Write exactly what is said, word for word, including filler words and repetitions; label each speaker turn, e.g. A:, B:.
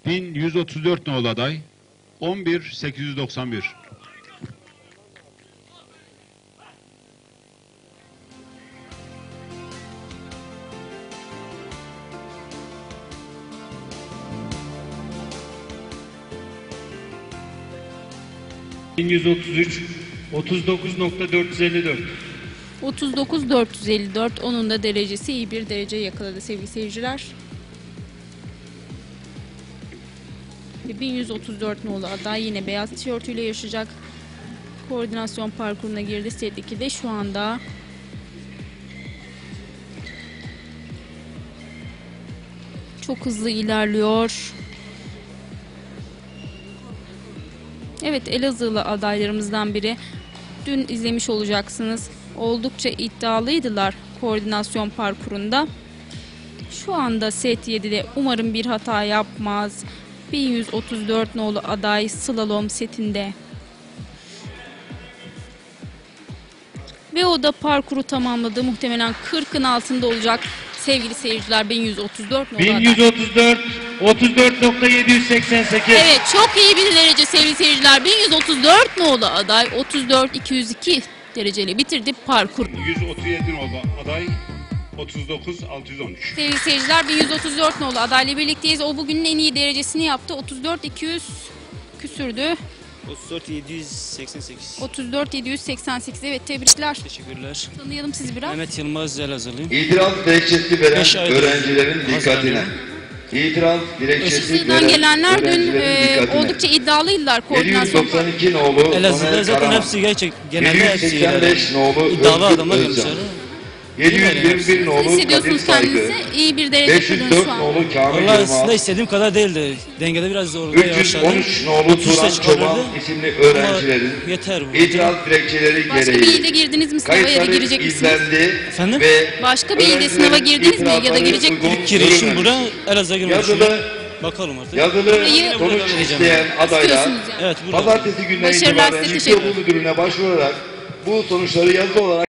A: bin yüz otuz dört nolu aday on bir bin sekiz yüz doksan bir.
B: bin yüz otuz üç otuz dokuz nokta dört yüz elli dört.
C: otuz dokuz bin dört yüz elli dört, onun da derecesi iyi bir derece yakaladı sevgili seyirciler. Ve bin yüz otuz dört nolu aday yine beyaz tişörtüyle yarışacak. Koordinasyon parkuruna girdi. Set ikide şu anda. Çok hızlı ilerliyor. Evet, Elazığlı adaylarımızdan biri. Dün izlemiş olacaksınız. Oldukça iddialıydılar koordinasyon parkurunda. Şu anda set yedide umarım bir hata yapmaz. bin yüz otuz dört nolu aday slalom setinde. Ve o da parkuru tamamladı. Muhtemelen kırkın altında olacak sevgili seyirciler. bin yüz otuz dört nolu
B: bin
C: aday.
B: yüz otuz dört otuz dört nokta yedi yüz seksen sekiz.
C: Evet, çok iyi bir derece sevgili seyirciler. bin yüz otuz dört nolu aday otuz dört bin iki yüz iki dereceyle bitirdi parkur.
A: yüz otuz yedi nolu aday otuz dokuz bin altı yüz on üç.
C: Sevgili seyirciler, bin yüz otuz dört nolu adayla birlikteyiz. O bugünün en iyi derecesini yaptı. otuz dört bin iki yüz küsürdü.
D: otuz dört bin yedi yüz seksen sekiz.
C: otuz dört bin yedi yüz seksen sekiz. Evet, tebrikler.
D: Teşekkürler.
C: Tanıyalım sizi biraz.
D: Mehmet Yılmaz Elazığlıyım.
E: İtiraz dilekçesi veren
D: Beş aydır
E: öğrencilerin dikkatine.
D: hazırlanıyorum.
E: İtiraz dilekçesi
C: Sizden
E: veren
C: gelenler dün
E: öğrencilerin
C: e,
E: dikkatine.
C: oldukça iddialıydılar koordinasyon.
E: yedi yüz doksan iki nolu
D: Elazığ'da
E: Soner
D: zaten
E: Karaman,
D: hepsi gerçek genelde hepsi
E: yedi yüz seksen beş nolu
D: iddialı
E: Özgür
D: adamlar
E: Özcan,
D: gelmişler.
E: yedi yüz yirmi bir nolu Kadir
C: Hissediyorsunuz
E: Saygı,
C: kendinizi. İyi bir derece
E: beş yüz
C: kurdunuz
E: dört
C: şu an.
E: nolu Kamil
D: Vallahi
E: Yılmaz,
D: aslında istediğim kadar değildi. Dengede biraz zorladı,
E: üç yüz
D: yavaşladı.
E: on üç nolu
D: otuz
E: Turan
D: beş
E: Çoban
D: çıkarırdı.
E: isimli öğrencilerin
D: Ama yeter bu.
E: itiraz dilekçeleri
C: Başka bir
E: gereği
C: ilde girdiniz mi sınava ya da
E: kayıtları
C: girecek misiniz?
E: izlendi
D: Efendim?
E: ve
C: Başka bir ilde
E: öğrencilerin
C: sınava girdiniz mi ya da
E: itirazları
C: girecek
E: uygun
C: misiniz?
D: Girişim
E: görülmemiş.
D: bura Elazığ'a girmek
E: Yazılı,
D: düşünüyorum. Bakalım artık.
E: yazılı
C: Burayı-
E: sonuç
D: Burayı-
E: isteyen adaylar
C: İstiyorsunuz yani.
D: Evet burada.
E: pazartesi gününe
C: Başarılar,
E: itibaren
C: size
E: Yüksek
C: teşekkür
E: Okul Müdürlüğü'ne başvurarak bu sonuçları yazılı olarak